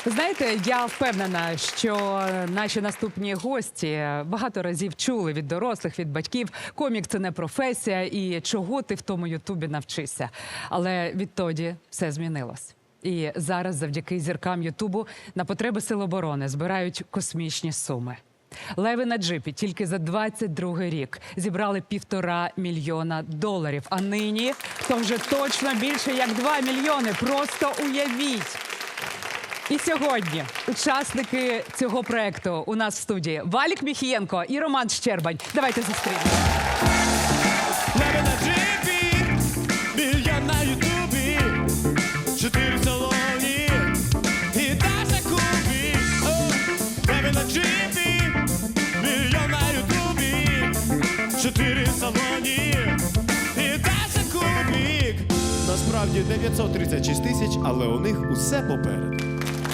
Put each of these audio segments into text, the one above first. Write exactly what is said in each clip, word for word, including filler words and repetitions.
Знаєте, я впевнена, що наші наступні гості багато разів чули від дорослих, від батьків, комік – це не професія і чого ти в тому Ютубі навчишся. Але відтоді все змінилось. І зараз завдяки зіркам Ютубу на потреби Сил оборони збирають космічні суми. Леви на джипі тільки за двадцять другий рік зібрали півтора мільйона доларів. А нині то вже точно більше як два мільйони. Просто уявіть! І сьогодні учасники цього проекту у нас в студії Валік Міхієнко і Роман Щербань. Давайте зустрінемо. Леви на джипі, мільйон на Ютубі, чотири в салоні і Даша Кубі. Леви на джипі, мільйон на Ютубі, чотири в салоні і Даша Кубік. Насправді дев'ятсот тридцять шість тисяч, але у них усе попереду.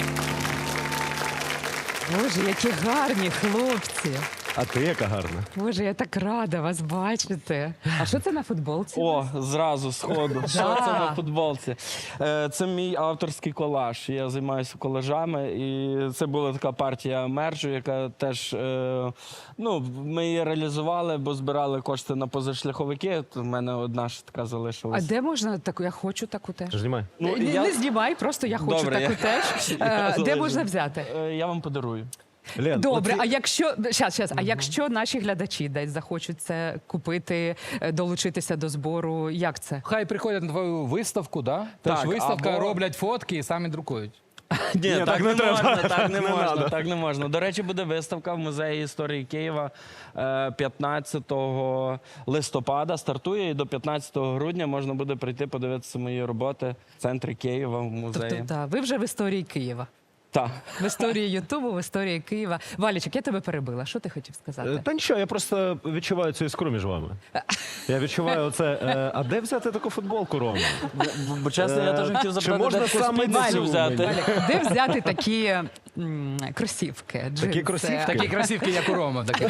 Боже, які гарні хлопці. А ти яка гарна. Боже, я так рада вас бачити. А що це на футболці? О, зразу, сходу. Що це на футболці? Е, Це мій авторський колаж. Я займаюся колажами. І це була така партія мержу, яка теж, е, ну, ми її реалізували, бо збирали кошти на позашляховики. У мене одна ж така А залишилась. де можна таку? Я хочу таку теж. Знімай. Ну, не, я- не знімай, просто я хочу Добре, таку я- теж. я Е, Де залежу. можна взяти? Е, Я вам подарую. Лен, Добре, оці- а якщо щас, щас, а якщо наші глядачі десь захочуть це купити, е, долучитися до збору, як це? Хай приходять на твою виставку, да? Тож Так, виставка, або- роблять фотки і самі друкують. Ні, так, так не не треба. можна, так не, Не можна, надо. так не можна. До речі, буде виставка в Музеї історії Києва е, п'ятнадцятого листопада. Стартує і до п'ятнадцятого грудня можна буде прийти подивитися мої роботи в центрі Києва в музеї. Тобто, та, ви вже в історії Києва. Так. В історії Ютубу, в історії Києва. Валічик, я тебе перебила. Що ти хотів Е, сказати? Та нічого, я просто відчуваю цю іскру між вами. Я відчуваю оце. е, А де взяти таку футболку, Рома? Бо чесно, я Е, теж хотів чи запитати, можна де таку саме спідницю цю взяти. мені? Валік, де взяти такі м, кросівки, джинси? кросівки? Такі кросівки, як у Рома. Такі.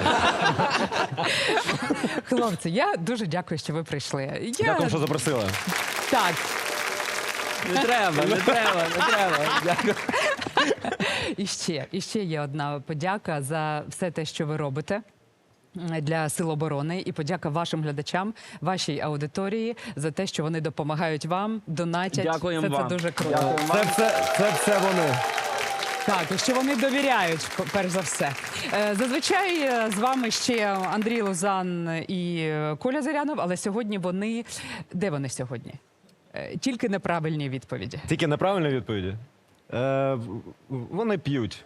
Хлопці, я дуже дякую, що ви прийшли. Я... Дякую, що запросила. Так, Не треба, не треба, не треба. Дякую. і ще, і ще є одна подяка за все те, що ви робите для Сил оборони, і подяка вашим глядачам, вашій аудиторії за те, що вони допомагають вам, донатять. Дякуємо це, вам. це дуже круто. Дякуємо вам. Це все, це все вони. Так, і що вони довіряють, перш за все. Е, Зазвичай е, з вами ще Андрій Лозан і е, Коля Зирянов, але сьогодні вони... Де вони сьогодні? Е, Тільки неправильні відповіді. Тільки неправильні відповіді. Е, в- вони п'ють.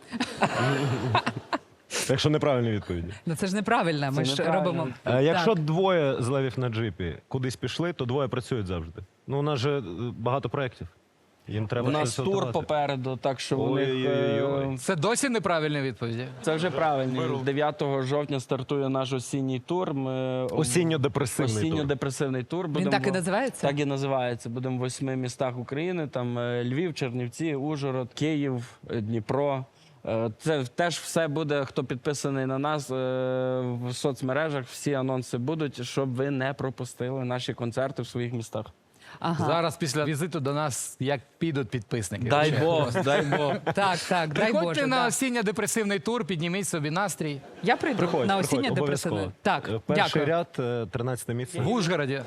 Якщо неправильні відповіді. Ну це ж неправильно, ми Це ж неправильно. робимо... Е, Якщо Так. двоє з левів на джипі кудись пішли, то двоє працюють завжди. Ну, у нас же е, багато проєктів. Їм треба У нас щось тур готувати. попереду, так що у них Ой-ой-ой. е, Це досі неправильні відповіді. це вже правильно. дев'ятого жовтня стартує наш осінній тур. Ми Осінньо-депресивний тур. Осінньо-депресивний тур. Він Будемо так і в- називається? Так і називається. Будемо в восьми містах України. Там е, Львів, Чернівці, Ужгород, Київ, е, Дніпро. Е, Це теж все буде, хто підписаний на нас е, в соцмережах. Всі анонси будуть, щоб ви не пропустили наші концерти в своїх містах. Ага. Зараз після візиту до нас як підуть підписники. Дай Ще. Бог, дай Бог. Так, так, дай Приходьте Боже. на да. осінньо-депресивний тур, підніміть собі настрій. Я прийду Приходь, на приходь, осіннє депресивне. обов'язково. Так, Е, Перший дякую. ряд, е, тринадцяте місце. В Ужгороді.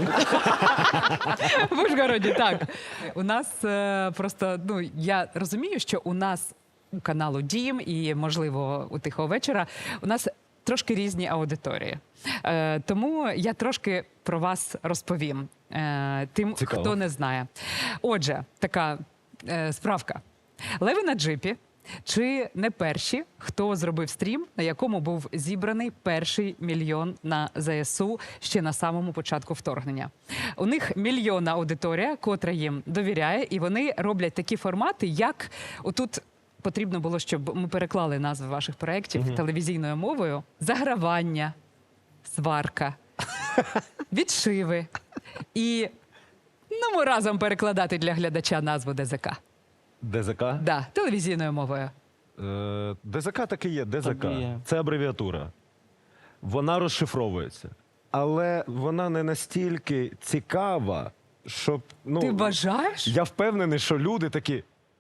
В Ужгороді, так. У нас е, просто, ну, я розумію, що у нас у каналу Дім і, можливо, у Тихого вечора у нас трошки різні аудиторії. Е, тому я трошки про вас розповім е, тим, Цікаво. хто не знає. Отже, така е, справка. Леви на джипі. Чи не перші, хто зробив стрім, на якому був зібраний перший мільйон на ЗСУ ще на самому початку вторгнення? У них мільйонна аудиторія, котра їм довіряє, і вони роблять такі формати, як отут потрібно було, щоб ми переклали назви ваших проєктів телевізійною мовою: загравання, сварка, відшиви. І ну, ми разом перекладати для глядача назву ДЗК. ДЗК? Да, телевізійною мовою. Е, ДЗК так і є, ДЗК. Так і є. Це абревіатура. Вона розшифровується. Але вона не настільки цікава, щоб... Ну, Ти вважаєш? я впевнений, що люди такі...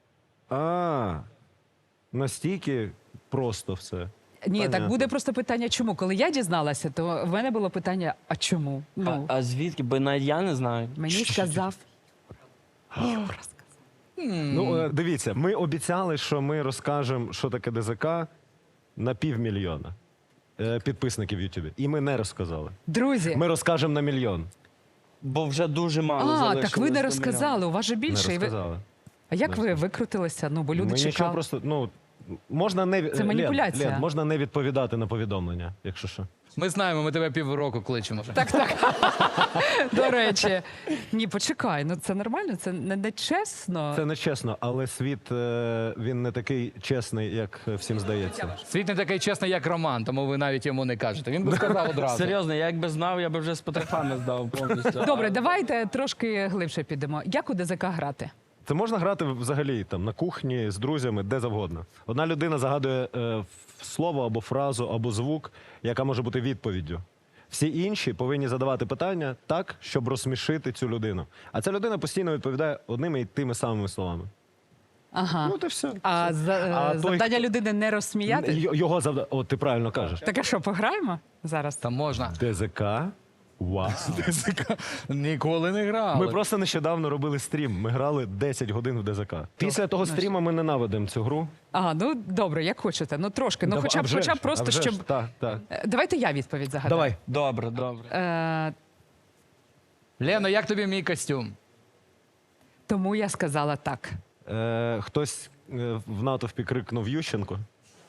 А, настільки просто все. Ні, так Понятно. буде просто питання, чому? Коли я дізналася, то в мене було питання, а чому? Ну, А, а звідки? Бо навіть я не знаю. мені сказав. Юра сказав. Ну, е, дивіться, ми обіцяли, що ми розкажемо, що таке ДЗК на півмільйона е, підписників в Ютубі. І ми не розказали. Друзі, Ми розкажемо на мільйон. Бо вже дуже мало а, залишилось так ви не до розказали, у вас же Не більше. І ви... розказали. А як ви викрутилися? Ну, бо люди Ми нічого чекали. просто, ну, можна не... Це Лен, маніпуляція. Лен, можна не відповідати на повідомлення, якщо що. Ми знаємо, ми тебе півроку кличемо. Так, так. До речі. Ні, почекай, ну це нормально, це не, не чесно. Це не чесно, але світ, е, він не такий чесний, як всім здається. Світ не такий чесний, як Роман, тому ви навіть йому не кажете. Він би сказав одразу. Серйозно, я якби знав, я би вже з потрохами здав повністю. Добре, давайте трошки глибше підемо. Як у ДЗК грати? Це можна грати взагалі там на кухні з друзями, де завгодно. Одна людина загадує е, слово або фразу, або звук, яка може бути відповіддю. Всі інші повинні задавати питання так, щоб розсмішити цю людину. А ця людина постійно відповідає одними і тими самими словами. Ага. Ну, то все. А, за, А той, завдання людини не розсміяти? Й- Його завдання. От ти правильно кажеш. Так а що, пограємо зараз? Там можна. ДЗК. Вау. Ніколи не грали. Ми просто нещодавно робили стрім. Ми грали десять годин в ДЗК. Після того стріму ми ненавидимо цю гру. Ага, ну добре, як хочете. Ну трошки. Ну Да, хоча а б, вже хоча б ж, просто, а вже щоб. ж, Так, так. Е, Давайте я відповідь загадаю. Давай. Добре, добре. Е, Лено, як тобі мій костюм? тому я сказала так. Е, хтось е, в натовпі крикнув Ющенко.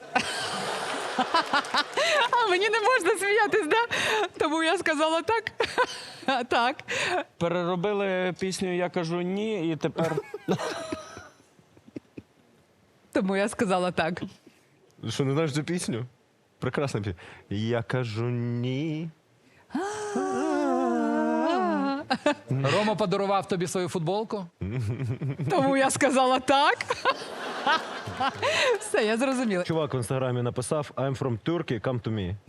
А мені не можна сміятись, да? Тому я сказала так. Так. Переробили пісню «Я кажу ні» і тепер... Тому я сказала так. Що, не знаєш цю пісню? Прекрасна пісня. Я кажу ні. Рома подарував тобі свою футболку? Тому я сказала так. Все, я зрозуміла. Чувак в інстаграмі написав I'm from Turkey, come to me.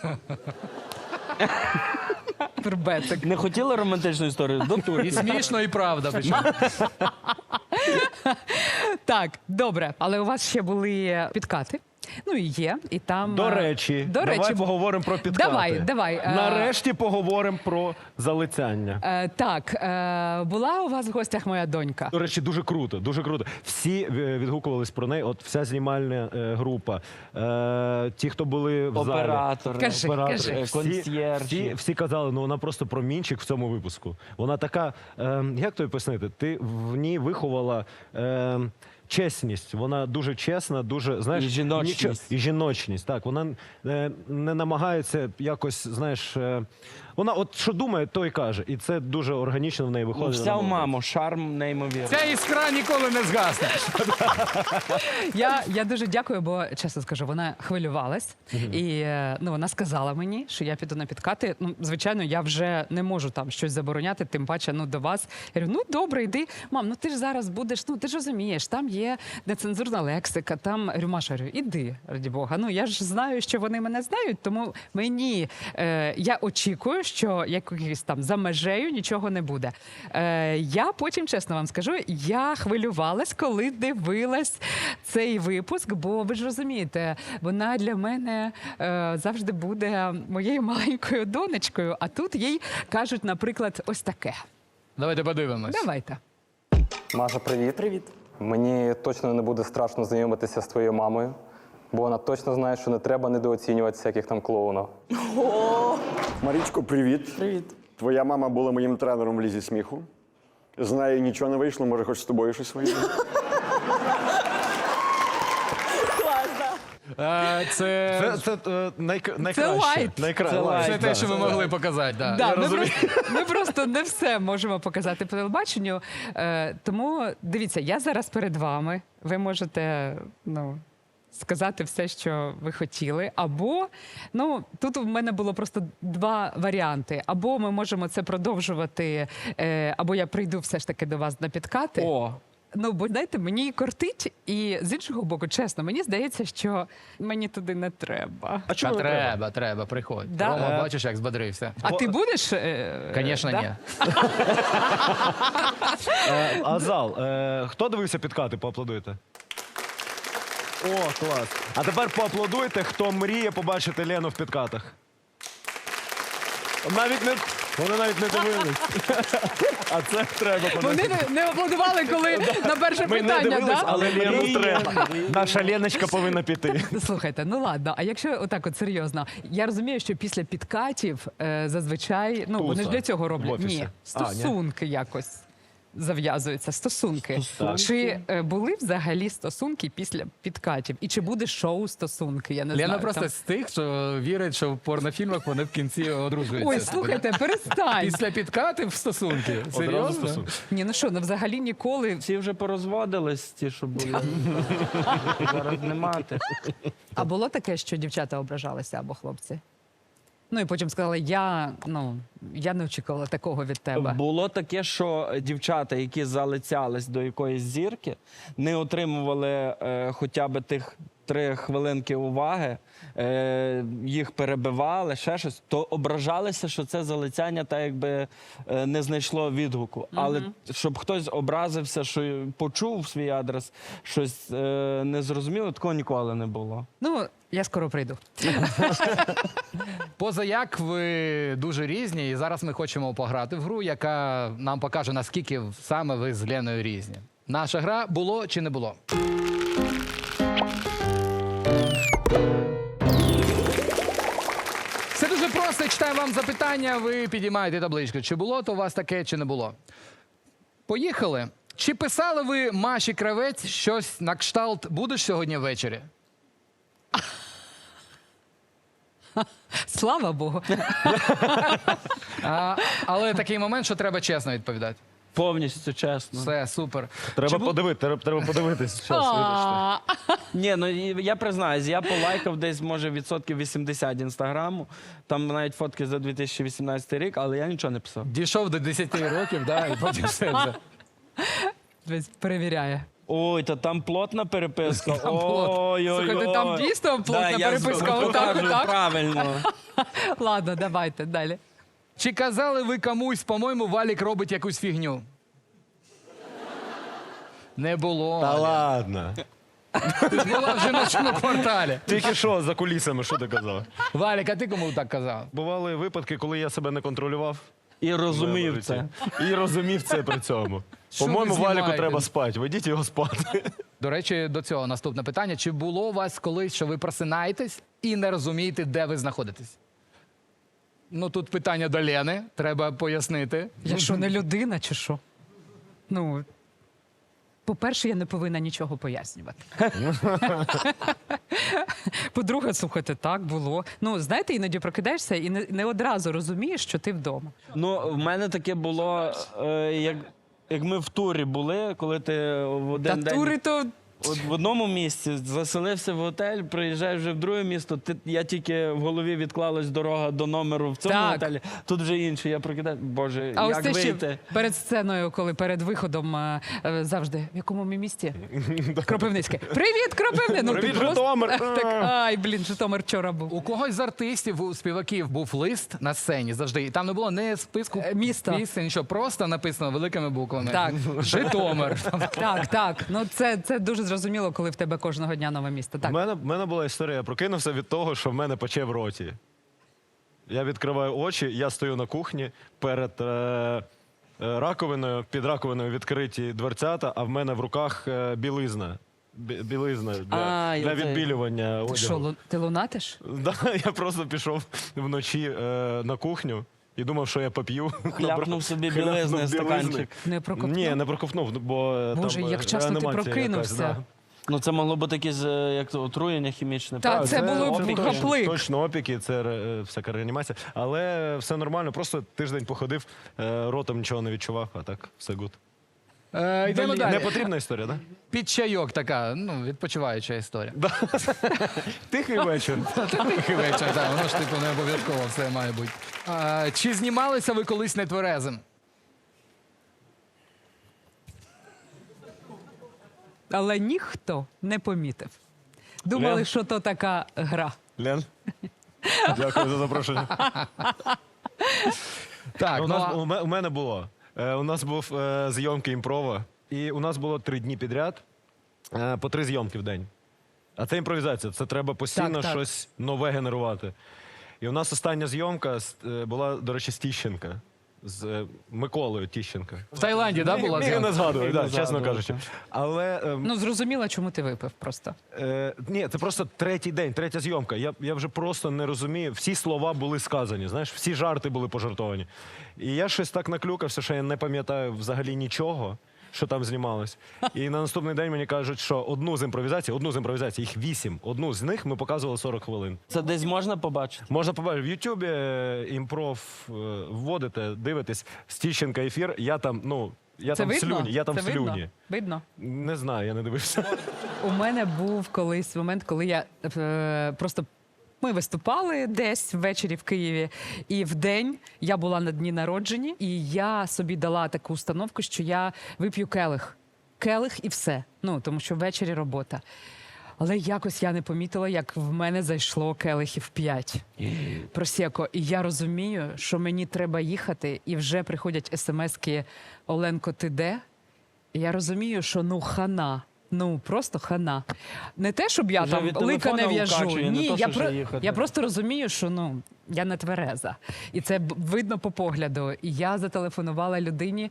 Турбецик. Не хотіли романтичну історію? До І Турції. смішно, і правда. Причому. Так, добре. Але у вас ще були підкати. Ну і є, і там. До е, речі, до давай речі, поговоримо про підкати. Давай, давай, е. Нарешті поговоримо про залицяння. Е, так, е, була у вас в гостях моя донька. До речі, дуже круто, дуже круто. Всі е, відгукувались про неї. От вся знімальна е, група, е, ті, хто були в залі. Оператори. Кажи, Оператори. кажи. Всі, Консьєржі. всі, всі казали, ну вона просто промінчик в цьому випуску. Вона така, е, як тобі пояснити, ти в ній виховала е, чесність. Вона дуже чесна, дуже, знаєш, І жіночність. нічого- і жіночність. Так, вона е, не намагається якось, знаєш, е, вона от що думає, то й каже. І це дуже органічно в неї Ну, виходить. вся Вона в молодець. маму, шарм неймовірний. Ця іскра ніколи не згасне. Я, я дуже дякую, бо чесно скажу, вона хвилювалась. І е, ну, вона сказала мені, що я піду на підкати. Ну, звичайно, я вже не можу там щось забороняти, тим паче ну, до вас. Я говорю, ну добре, йди. Мам, ну ти ж зараз будеш, ну ти ж розумієш, там є нецензурна лексика, там Я говорю, Маша, говорю, іди, раді Бога. Ну я ж знаю, що вони мене знають, тому мені е, я очікую, що якийсь там за межею нічого не буде. Е, я потім, чесно вам скажу, я хвилювалась, коли дивилась цей випуск, бо ви ж розумієте, вона для мене е, завжди буде моєю маленькою донечкою, а тут їй кажуть, наприклад, ось таке. Давайте подивимось. Давайте. Маша, привіт. Привіт. Мені точно не буде страшно знайомитися з твоєю мамою, бо вона точно знає, що не треба недооцінювати всяких там клоунів. Марічко, привіт. Привіт. Твоя мама була моїм тренером в лізі сміху. З нею нічого не вийшло, може, хоч з тобою щось вийде. Е, Це, Це, це, е, найк... найкраще. лайт. Найкра... Це лайт, це лайт, те, да. що ми могли показати. Да. Да, Я ми, розумію. просто, ми просто не все можемо показати по телебаченню. Е, тому дивіться, я зараз перед вами. Ви можете ну, сказати все, що ви хотіли. Або ну, тут у мене було просто два варіанти. Або ми можемо це продовжувати, е, або я прийду все ж таки до вас на підкати. О, Ну, бо знаєте, мені кортить, і з іншого боку, чесно, мені здається, що мені туди не треба. А Та чому не треба? треба, треба, приходь. Да? Рома, Е. бачиш, як збадрився. А ти будеш? Е, Звісно, да? ні. Е, Азал, е, хто дивився підкати? Поаплодуйте. О, клас. А тепер поаплодуйте, хто мріє побачити Лену в підкатах. Навіть не... Вони навіть не дивились. А це треба Вони не, не аплодували, коли на перше Ми не питання, дивились, да? але Лену Мріємо, треба. мріємо. Наша Леночка повинна піти. Слухайте, ну ладно, а якщо отак от серйозно, я розумію, що після підкатів е, зазвичай, ну вони ж Туса для цього в роблять. офісі. Ні, А, ні? стосунки якось зав'язуються, стосунки. Стосунки? Чи е, були взагалі стосунки після підкатів? І чи буде шоу стосунки? Я не Лена знаю. просто там. з тих, що вірить, що в порнофільмах вони в кінці одружуються. Ой, слухайте, перестань. Після підкатів в стосунки. Одразу Серйозно? стосунки. Ні, ну що, ну взагалі ніколи. Всі вже порозводились, ті, що були. Зараз не мати. А було таке, що дівчата ображалися або хлопці? Ну і потім сказали, я, ну, я не очікувала такого від тебе. Було таке, що дівчата, які залицялись до якоїсь зірки, не отримували е, хоча б тих три хвилинки уваги, е, їх перебивали, ще щось, то ображалися, що це залицяння так якби е, не знайшло відгуку. Але щоб хтось образився, що почув свій адрес, щось е, незрозуміло, такого ніколи не було. Ну, я скоро прийду. Поза як ви дуже різні, і зараз ми хочемо пограти в гру, яка нам покаже, наскільки саме ви з Леною різні. Наша гра було чи не було? Все дуже просто. Я читаю вам запитання, ви підіймаєте табличку. Чи було то у вас таке, чи не було? Поїхали. Чи писали ви Маші Кравець щось на кшталт «Будеш сьогодні ввечері»? Слава Богу. А, але такий момент, що треба чесно відповідати. Повністю чесно. Все, супер. Треба Чи бу- подивити, треба, треба подивитись. Щас, вибачте. А, Ні, ну і я признаюсь, я полайкав десь, може, відсотків вісімдесят інстаграму. Там навіть фотки за дві тисячі вісімнадцятий рік, але я нічого не писав. Дійшов до десяти років, да, і потім все вже. Десь перевіряє. Ой, та там плотна переписка. Там плот. Ой-ой-ой. Слухайте, там дійсно плотна Да, я переписка, з- отак, покажу отак. правильно. Ладно, давайте далі. Чи казали ви комусь, по-моєму, Валік робить якусь фігню? Не було. Та ладно. Ти ж була в жіночому кварталі. Тільки що за кулісами, що ти казав? Валік, а ти кому так казав? Bували випадки, коли я себе не контролював. І в розумів моєму це. житті. І розумів це при цьому. Що По-моєму, ви Валіку знімаєте? треба спати. Ведіть його спати. До речі, до цього наступне питання. Чи було у вас колись, що ви просинаєтесь і не розумієте, де ви знаходитесь? Ну, тут питання до Лени, треба пояснити. Я що, не людина чи що? Ну, по-перше, я не повинна нічого пояснювати. По-друге, слухайте, так було. Ну, знаєте, іноді прокидаєшся і не, не одразу розумієш, що ти вдома. Ну, в мене таке було, е, як, як ми в турі були, коли ти в один Та день... тури то От в одному місці заселився в готель, приїжджаєш вже в друге місто. Ти, я тільки в голові відклалась дорога до номеру в цьому Так. готелі. Тут вже інше. Я прокидаю. Боже, А ось як те ще вийти? перед сценою, коли перед виходом е, е, завжди в якому ми місті? Кропивницьке. Привіт, Кропивне! Ну, ти Привіт, просто- Житомир! Так, ай, блін, Житомир вчора був. У когось з артистів, у співаків був лист на сцені завжди. І там не було ні списку Е, міста. пісень, нічого, просто написано великими буквами. Так. Житомир. Так, так. Ну це, це дуже зрозуміло, коли в тебе кожного дня нове місто. У Так. мене, в мене була історія. Я прокинувся від того, що в мене пече в роті. Я відкриваю очі, я стою на кухні перед е, е, раковиною, під раковиною відкриті дверцята, а в мене в руках е, білизна. Бі- Білизна для, А, для я це- відбілювання Ти одягу. що, лу- ти лунатиш? Да, я просто пішов вночі е, на кухню і думав, що я поп'ю. Хляпнув собі Хляпнув білизни, білизни. стаканчик. Не проковтнув? Ні, не проковтнув, бо е, Боже, там е, як часто ти реанімація прокинувся. якась, да. Ну це могло бути якесь е, як то, отруєння хімічне. Та, правда? це було б опіки, гаплик. Точно опіки, це е, всяка реанімація. Але все нормально, просто тиждень походив, е, ротом нічого не відчував, а так все гуд. Е, йдемо далі. Не потрібна історія, так? Під чайок така, ну, відпочиваюча історія. Тихий вечір. Та тихий вечір, так, воно ж типу не обов'язково все має бути. А, чи знімалися ви колись нетверезим? Але ніхто не помітив. Думали, Лен? що то така гра. Лен, дякую за запрошення. Так, у, ну, нас, а- у, ме- у мене було. Е, у нас був е, зйомки імпрова, і у нас було три дні підряд, е, по три зйомки в день. А це імпровізація, це треба постійно Так, так. щось нове генерувати. І у нас остання зйомка з- е, була, до речі, з Тіщенка. З е, Миколою Тіщенка. В Таїланді, да, була Міг не зйомка? згадую, Міг да, не чесно згадувати. кажучи. Але ем, Ну, зрозуміло, чому ти випив просто. Е, ні, це просто третій день, третя зйомка. Я, я вже просто не розумію. Всі слова були сказані, знаєш, всі жарти були пожартовані. І я щось так наклюкався, що я не пам'ятаю взагалі нічого, що там знімалось. І на наступний день мені кажуть, що одну з імпровізацій, одну з імпровізацій, їх вісім, одну з них ми показували сорок хвилин. Це десь можна побачити? Можна побачити в Ютубі е, імпров е, вводите, дивитесь, з Тіщенка ефір, я там, ну, я Це там в видно? слюні, я там Це в слюні. видно? Видно? Не знаю, я не дивився. У мене був колись момент, коли я е, просто. Ми виступали десь ввечері в Києві, і в день я була на дні народження, і я собі дала таку установку, що я вип'ю келих. Келих і все. Ну, тому що ввечері робота. Але якось я не помітила, як в мене зайшло келихів п'ять. Просеко. І я розумію, що мені треба їхати, і вже приходять смски «Оленко, ти де?» І я розумію, що ну хана. Ну, просто хана. Не те, щоб я Вже там від лика не телефона в'яжу. укачує, не Ні, то, я, що про... вже їхати. я просто розумію, що ну, я не твереза. І це б- видно по погляду. І я зателефонувала людині,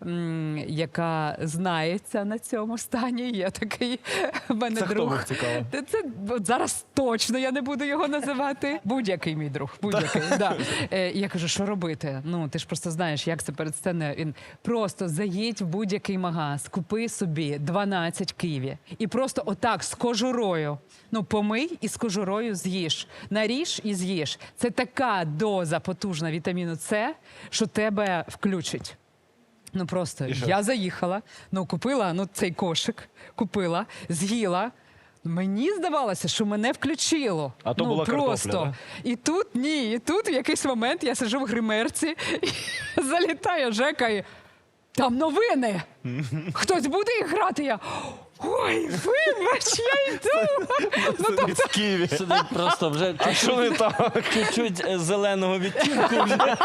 м, яка знається на цьому стані. Є такий в мене Це хто друг. був, цікаво? Та Це от зараз точно я не буду його називати. Будь-який мій друг, будь-який. Да. Е, і я кажу, що робити? Ну, ти ж просто знаєш, як це перед сценою. Він просто заїдь в будь-який магаз, купи собі дванадцять ківі. І просто отак з кожурою. Ну, помий і з кожурою з'їж. Наріж і з'їж. Це така доза потужна вітаміну С, що тебе включить. Ну просто я заїхала, ну купила ну, цей кошик, купила, з'їла. Мені здавалося, що мене включило. А то ну, була просто. картопля, І тут ні, і тут в якийсь момент я сиджу в гримерці, і залітає Жека і там новини. Хтось буде їх грати? Я ой, вибач, я йду. Ну, тобто, В Києві. Сидить просто вже А що не так? чуть-чуть е, зеленого відтінку. Вже.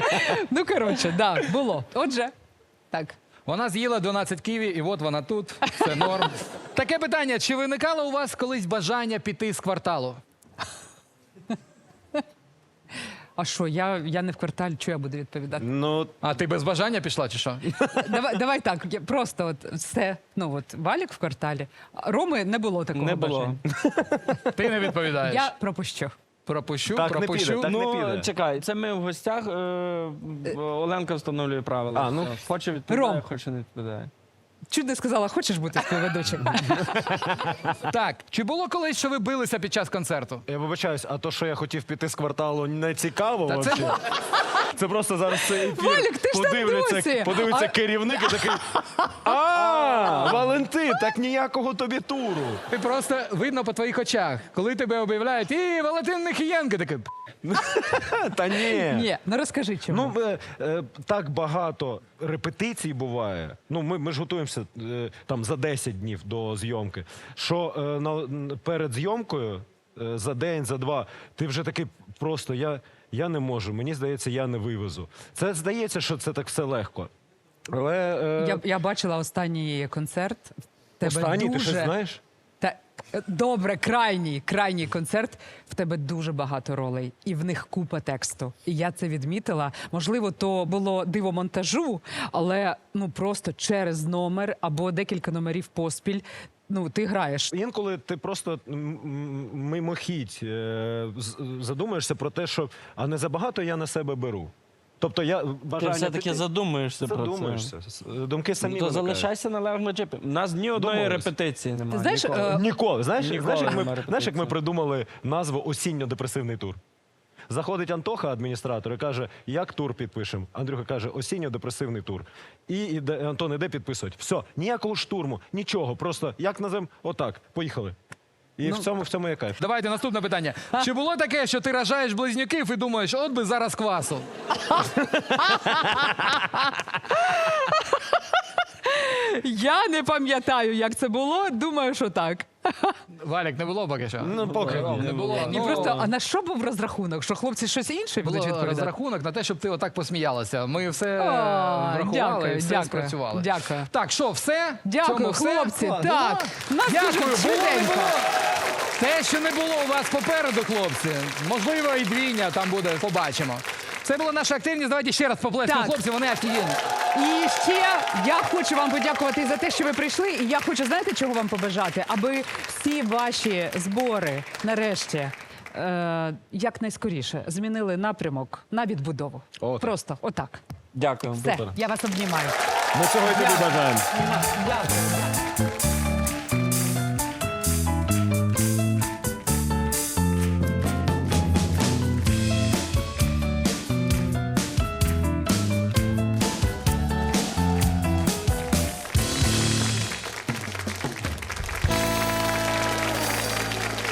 ну коротше, да, було. Отже, так. Вона з'їла дванадцять ківі, і от вона тут, все норм. Таке питання, чи виникало у вас колись бажання піти з кварталу? А що, я, я не в кварталі, що я буду відповідати? Ну, А ти без бажання пішла, чи що? Давай, давай так, я просто от все. Ну от Валік в кварталі. А Роми не було такого Не було. бажання. Ти не відповідаєш. Я пропущу. Пропущу, Так не пропущу. піде, так. не Ну, піде. чекай, це ми в гостях. Е, Оленка встановлює правила. А, ну. Все. Хоче відповідає, Ром. хоче не відповідає. Чуть не сказала, хочеш бути співведучим? Так, чи було колись, що ви билися під час концерту? я вибачаюсь, а то, що я хотів піти з кварталу, не цікаво Та це вообще? Це просто зараз цей ефір. Валік, ти ж там подивляться, досі. подивиться А- керівник і такий. А, Валентин, так ніякого тобі туру. Ти просто видно по твоїх очах, коли тебе об'являють, і Валентин Нехієнко такий. Та ні. Ні, ну розкажи чому. Ну, е, е, так багато репетицій буває. Ну, ми, ми ж готуємося е, там за десять днів до зйомки. Що е, на, н- перед зйомкою е, за день, за два, ти вже такий просто я, я не можу. Мені здається, я не вивезу. Це здається, що це так все легко. Але е, Я, я бачила останній концерт. В Тебе останній, дуже... ти щось знаєш? Та, е, добре, крайній, крайній концерт. В тебе дуже багато ролей, і в них купа тексту. І я це відмітила. Можливо, то було диво монтажу, але ну просто через номер або декілька номерів поспіль. Ну, ти граєш. Інколи ти просто м, м, мимохідь е, з- задумаєшся про те, що а не забагато я на себе беру. Тобто я Ти бажання все-таки піти- задумуєшся про це. задумаєшся. С- Думки самі Ну, то виникають. залишайся на левому джипі. У нас ні одної Домовились. репетиції немає. Ти знаєш, ніколи. е, Ніколи. Знаєш, Ніколи знаєш, як ми, нема знаєш, як ми репетиції. придумали назву осінньо-депресивний тур? Заходить Антоха, адміністратор, і каже, як тур підпишемо? Андрюха каже, осінньо-депресивний тур. І іде, Антон іде підписувати. Все, ніякого штурму, нічого. Просто як назвемо? Отак, поїхали. І в цьому в цьому є кайф. Давайте наступне питання. Чи було таке, що ти рожаєш близнюків і думаєш, от би зараз квасу? Я не пам'ятаю, як це було. Думаю, що так. Валік, не було поки що? Ну, поки Ром, не було. І Ну, просто, а на що був розрахунок? Що хлопці щось інше будуть було відповідати? розрахунок на те, щоб ти отак посміялася. Ми все О, врахували, дякую, і все дякую, спрацювали. дякую. Так, що, все? Дякую, Цьому все? хлопці. Клас. Так, Ну, нас Дякую, дуже було, не швиденько. було. Те, що не було у вас попереду, хлопці, можливо, і двійня там буде, побачимо. Це була наша активність. Давайте ще раз поплескаємо Так. хлопці, вони офігенні. І ще я хочу вам подякувати за те, що ви прийшли. І я хочу, знаєте, чого вам побажати? Аби всі ваші збори нарешті е, якнайскоріше змінили напрямок на відбудову. Отак. Просто отак. Дякую. Все, я вас обнімаю. Ми цього і тобі бажаємо. Дякую.